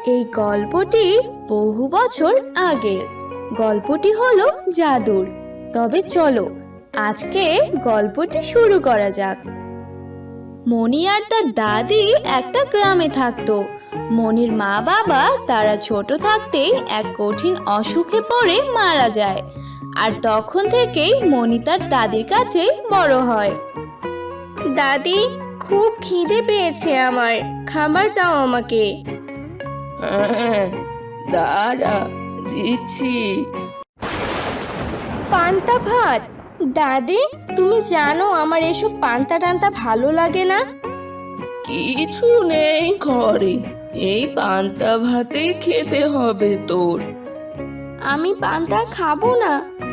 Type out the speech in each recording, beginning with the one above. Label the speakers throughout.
Speaker 1: এই গল্পটি বহু বছর আগের। গল্পটি হলো জাদুর। তবে চলো আজকে গল্পটি শুরু করা যাক। মণি আর তার দাদি একটা গ্রামে থাকতো। মণির মা বাবা তারা ছোট থাকতেই এক কঠিন অসুখে পড়ে মারা যায়। আর তখন থেকেই মণি তার দাদির কাছে বড় হয়।
Speaker 2: দাদি, খুব খিদে পেয়েছে আমার, খাবার দাও আমাকে।
Speaker 3: হ্যাঁ, দাঁড়া, দিচ্ছি।
Speaker 2: পান্তা ভাত? দাদি, তুমি জানো আমার এসব পান্তা টান্তা ভালো লাগে না।
Speaker 3: কিছু নেই ঘরে, এই পান্তা ভাতেই খেতে হবে তোর।
Speaker 2: আমি পান্তা খাবো না।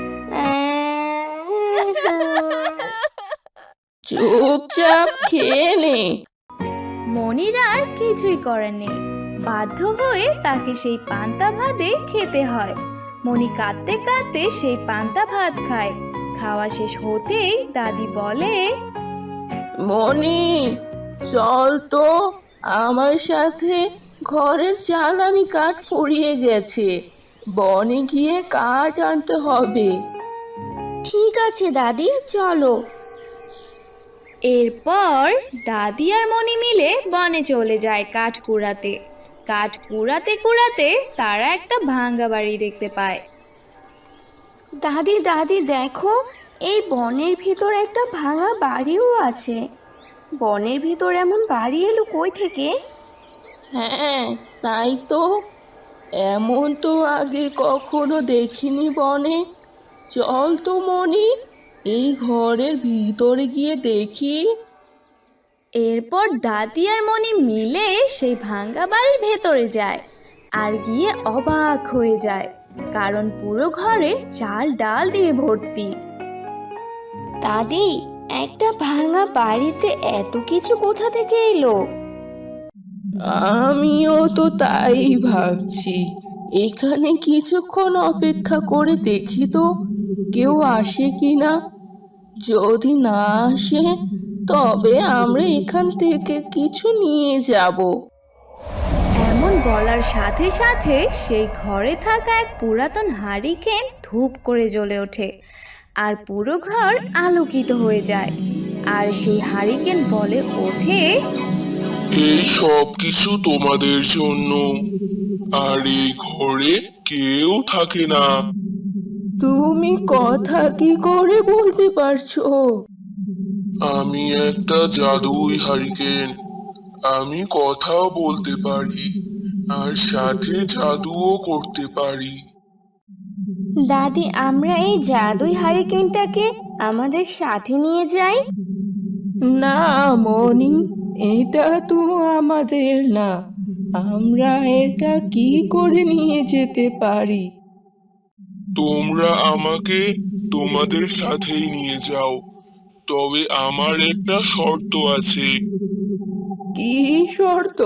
Speaker 3: চুপচাপ খেয়ে নে।
Speaker 1: মনির আর কিছুই করার নেই, বাধ্য হয়ে তাকে সেই পান্তা ভাতে খেতে হয়। মনি কাঁদতে কাঁদতে সেই পান্তা ভাত খায়। খাওয়া শেষ হতেই দাদি বলে,
Speaker 3: মনি, চল তো আমার সাথে, ঘরের জ্বালানি কাঠ ফুরিয়ে গেছে, বনে গিয়ে কাঠ আনতে হবে।
Speaker 2: ঠিক আছে দাদি, চলো।
Speaker 1: এরপর দাদি আর মনি মিলে বনে চলে যায় কাঠ কুড়াতে। কাঠ কুড়াতে কুড়াতে তারা একটা ভাঙা বাড়ি দেখতে পায়।
Speaker 2: দাদি দাদি দেখো, এই বনের ভিতর একটা ভাঙা বাড়িও আছে। বনের ভিতর এমন বাড়ি এলো কই থেকে?
Speaker 3: হ্যাঁ, তাই তো, এমন তো আগে কখনো দেখিনি বনে। চল তো মনি, এই ঘরের ভিতরে গিয়ে দেখি।
Speaker 1: এরপর দাদি আর মনি মিলে সেই ভাঙা বাড়ির ভেতরে যায়। আর গিয়ে অবাক হয়ে যায়, কারণ পুরো ঘরে চাল ডাল দিয়ে ভর্তি।
Speaker 2: দাদি, একটা ভাঙা বাড়িতে এত কিছু কোথা থেকে এলো?
Speaker 3: আমিও তো তাই ভাবছি। এখানে কিছুক্ষণ অপেক্ষা করে দেখি তো কেউ আসে কি না। যদি না আসে তবে আমরা এখান থেকে কিছু নিয়ে যাব।
Speaker 1: এমন বলার সাথে সাথে সেই ঘরে থাকা এক পুরাতন হারিকেন ধূপ করে জ্বলে ওঠে। আর পুরো ঘর আলোকিত হয়ে যায়। আর সেই হারিকেন বলে ওঠে,
Speaker 4: এই সব কিছু তোমাদের জন্য। আর এই ঘরে কেউ থাকে না।
Speaker 3: তুমি কথা কি করে বলতে পারছো?
Speaker 4: আমি একটা জাদুই হারিকেন। আমি কথাও বলতে পারি, আর সাথে জাদুও করতে পারি।
Speaker 2: দাদি, আমরা এই জাদুই হারিকেনটাকে আমাদের সাথে নিয়ে যাই।
Speaker 3: না মনি, এটা তো আমাদের না। আমরা এটা কি করে নিয়ে যেতে পারি?
Speaker 4: তোমরা আমাকে তোমাদের সাথেই নিয়ে যাও, তবে আমার একটা শর্ত আছে।
Speaker 3: কি শর্ত?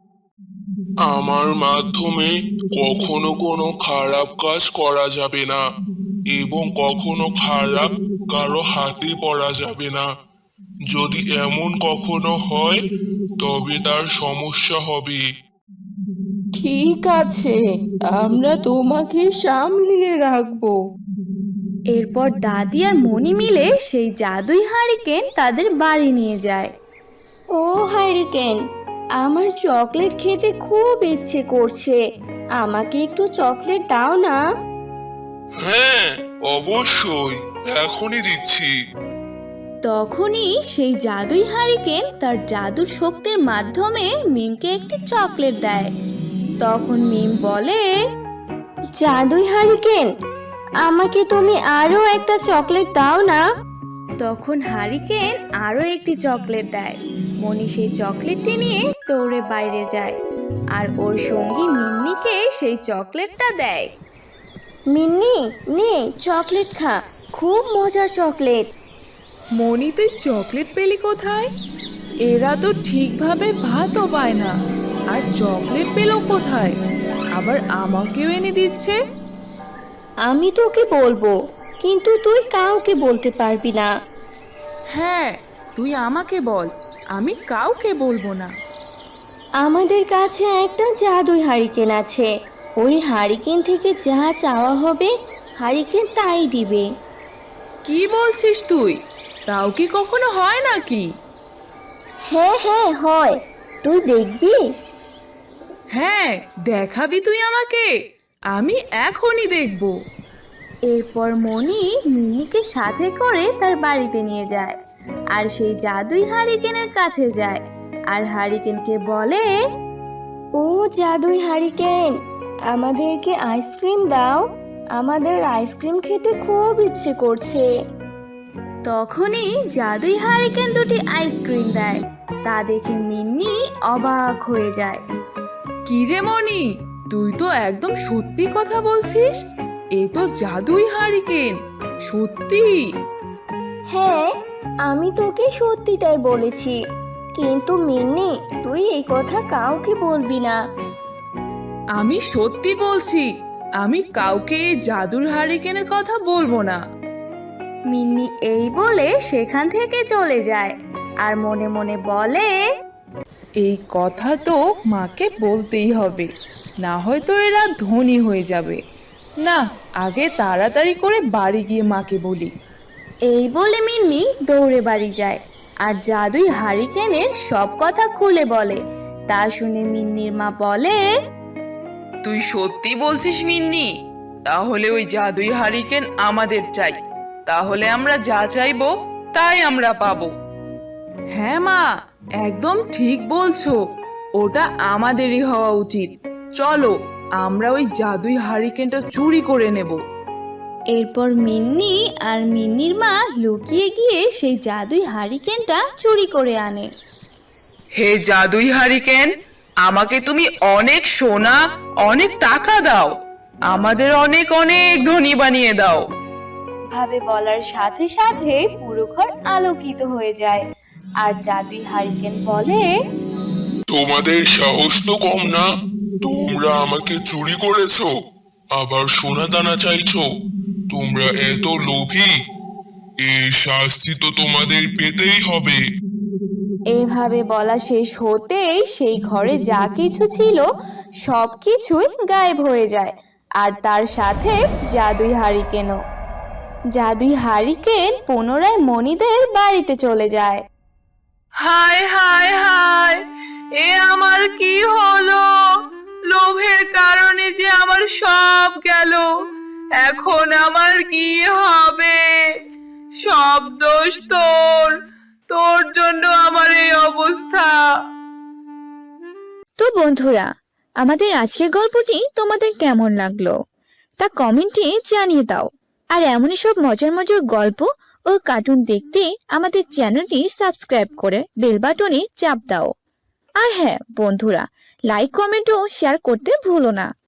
Speaker 4: আমার মাধ্যমে কখনো কোনো খারাপ কাজ করা যাবে না, এবং কখনো খারাপ কারো হাতে পড়া যাবে না। যদি এমন কখনো হয় তবে তার সমস্যা হবে।
Speaker 3: ঠিক আছে, আমরা তোমাকে সামলিয়ে রাখবো।
Speaker 1: এরপর দাদি আর মনি মিলে সেই জাদুই হারিকেন তাদের বাড়ি নিয়ে যায়।
Speaker 2: ও হারিকেন, আমার চকলেট খেতে খুব ইচ্ছে করছে, আমাকে একটু চকলেট দাও না।
Speaker 4: হ্যাঁ, অবশ্যই, এখনই দিচ্ছি।
Speaker 1: তখনই সেই জাদুই হারিকেন তার জাদুর শক্তির মাধ্যমে মিমকে একটি চকলেট দেয়। তখন মিম বলে,
Speaker 2: জাদুই হারিকেন, আমাকে তুমি আরো একটা চকলেট দাও না।
Speaker 1: তখন হারিকেন আরো একটি চকলেট দেয়। মনি সেই চকলেটটি নিয়ে দৌড়ে বাইরে যায়, আর ওর সঙ্গী মিন্নিকে সেই চকলেটটা দেয়।
Speaker 2: মিন্নি, নে চকলেট খা, খুব মজার চকলেট।
Speaker 5: মনি, তুই চকলেট পেলি কোথায়? এরা তো ঠিকভাবে ভাতও পায় না, আর চকলেট পেল কোথায়? আবার আমাকেও এনে দিচ্ছে।
Speaker 2: আমি তোকে বলবো, কিন্তু তুই কাউকে বলতে পারবি না।
Speaker 5: হ্যাঁ, তুই আমাকে বল, আমি কাউকে বলবো না।
Speaker 2: আমাদের কাছে একটা জাদুই হারিকেন আছে। ওই হারিকেন থেকে যা চাওয়া হবে হারিকেন তাই দিবে।
Speaker 5: কি বলছিস তুই? তাও কি কখনো হয় নাকি?
Speaker 2: হ্যাঁ হ্যাঁ হয়, তুই দেখবি।
Speaker 5: হ্যাঁ, দেখাবি তুই আমাকে? আমি এখনই দেখব।
Speaker 1: এরপর মণি মিন্নিকে সাথে করে তার বাড়িতে নিয়ে যায় আর সেই জাদুই হারিকেনের কাছে যায় আর হারিকেনকে বলে,
Speaker 2: ও জাদুই হারিকেন, আমাদেরকে আইসক্রিম দাও, আমাদের আইসক্রিম খেতে খুব ইচ্ছে করছে।
Speaker 1: তখনই জাদুই হারিকেন দুটি আইসক্রিম দেয়। তা দেখে মিন্নি অবাক হয়ে যায়।
Speaker 5: কি রে মনি, তুই তো একদম সত্যি কথা বলছিস। এ তো জাদুই হারিকেন, সত্যি।
Speaker 2: হ্যাঁ, আমি তোকে সত্যিটাই বলেছি, কিন্তু মিন্নি তুই এই কথা কাউকে বলবি না।
Speaker 5: আমি সত্যি বলছি, আমি কাউকে এই জাদুর হারিকেনের কথা বলবো না।
Speaker 1: মিন্নি এই বলে সেখান থেকে চলে যায় আর মনে মনে বলে,
Speaker 5: এই কথা তো মাকে বলতেই হবে, না হয়তো এরা ধনী হয়ে যাবে। না, আগে তাড়াতাড়ি করে বাড়ি গিয়ে মাকে বলি।
Speaker 1: এই বলে মিন্নি দৌড়ে বাড়ি যায় আর জাদুই হারিকেনের সব কথা খুলে বলে। তা শুনে মিন্নির মা বলে,
Speaker 3: তুই সত্যি বলছিস মিন্নি? তাহলে ওই জাদুই হারিকেন আমাদের চাই, তাহলে আমরা যা চাইবো তাই আমরা পাবো।
Speaker 5: হ্যাঁ মা, একদম ঠিক বলছো, ওটা আমাদেরই হওয়া উচিত। চলো, আমরা ওই জাদুই হারিকেনটা চুরি করে নেব।
Speaker 1: এরপর মিন্নি আর মিন্নির মা লুকিয়ে গিয়ে সেই জাদুই হারিকেনটা চুরি করে আনে।
Speaker 3: হে জাদুই হারিকেন, আমাকে তুমি অনেক সোনা, অনেক টাকা দাও, আমাদের অনেক অনেক ধনী বানিয়ে দাও।
Speaker 1: ভাবে বলার সাথে সাথে পুরো ঘর আলোকিত হয়ে যায় আর জাদুই হারিকেন বলে,
Speaker 4: তোমাদের সাহস তো কম না, তোমরা আমাকে চুরি করেছো, আবার সোনা দানা চাইছো। তোমরা এত লোভী, এর শাস্তি তো তোমাদের পেতেই হবে।
Speaker 1: এভাবে বলা শেষ হতেই সেই ঘরে যা কিছু ছিল সব কিছুই গায়েব হয়ে যায় আর তার সাথে জাদুই হারিকেনও। জাদুই হারিকেন পুনরায় মণিদের বাড়িতে চলে যায়।
Speaker 3: হায় হায় হায়, এ আমার কি হলো? লোভের কারণে যে আমার সব গেল, এখন আমার কি হবে? সব দোষ তোর, তোর জন্য আমার এই অবস্থা।
Speaker 1: তো বন্ধুরা, আমাদের আজকের গল্পটি তোমাদের কেমন লাগলো তা কমেন্টে জানিয়ে দাও। আর এমনই সব মজার মজার গল্প ও কার্টুন দেখতে আমাদের চ্যানেলটি সাবস্ক্রাইব করে বেল বাটনে চাপ দাও। আর হ্যাঁ বন্ধুরা, লাইক কমেন্ট ও শেয়ার করতে ভুলো না।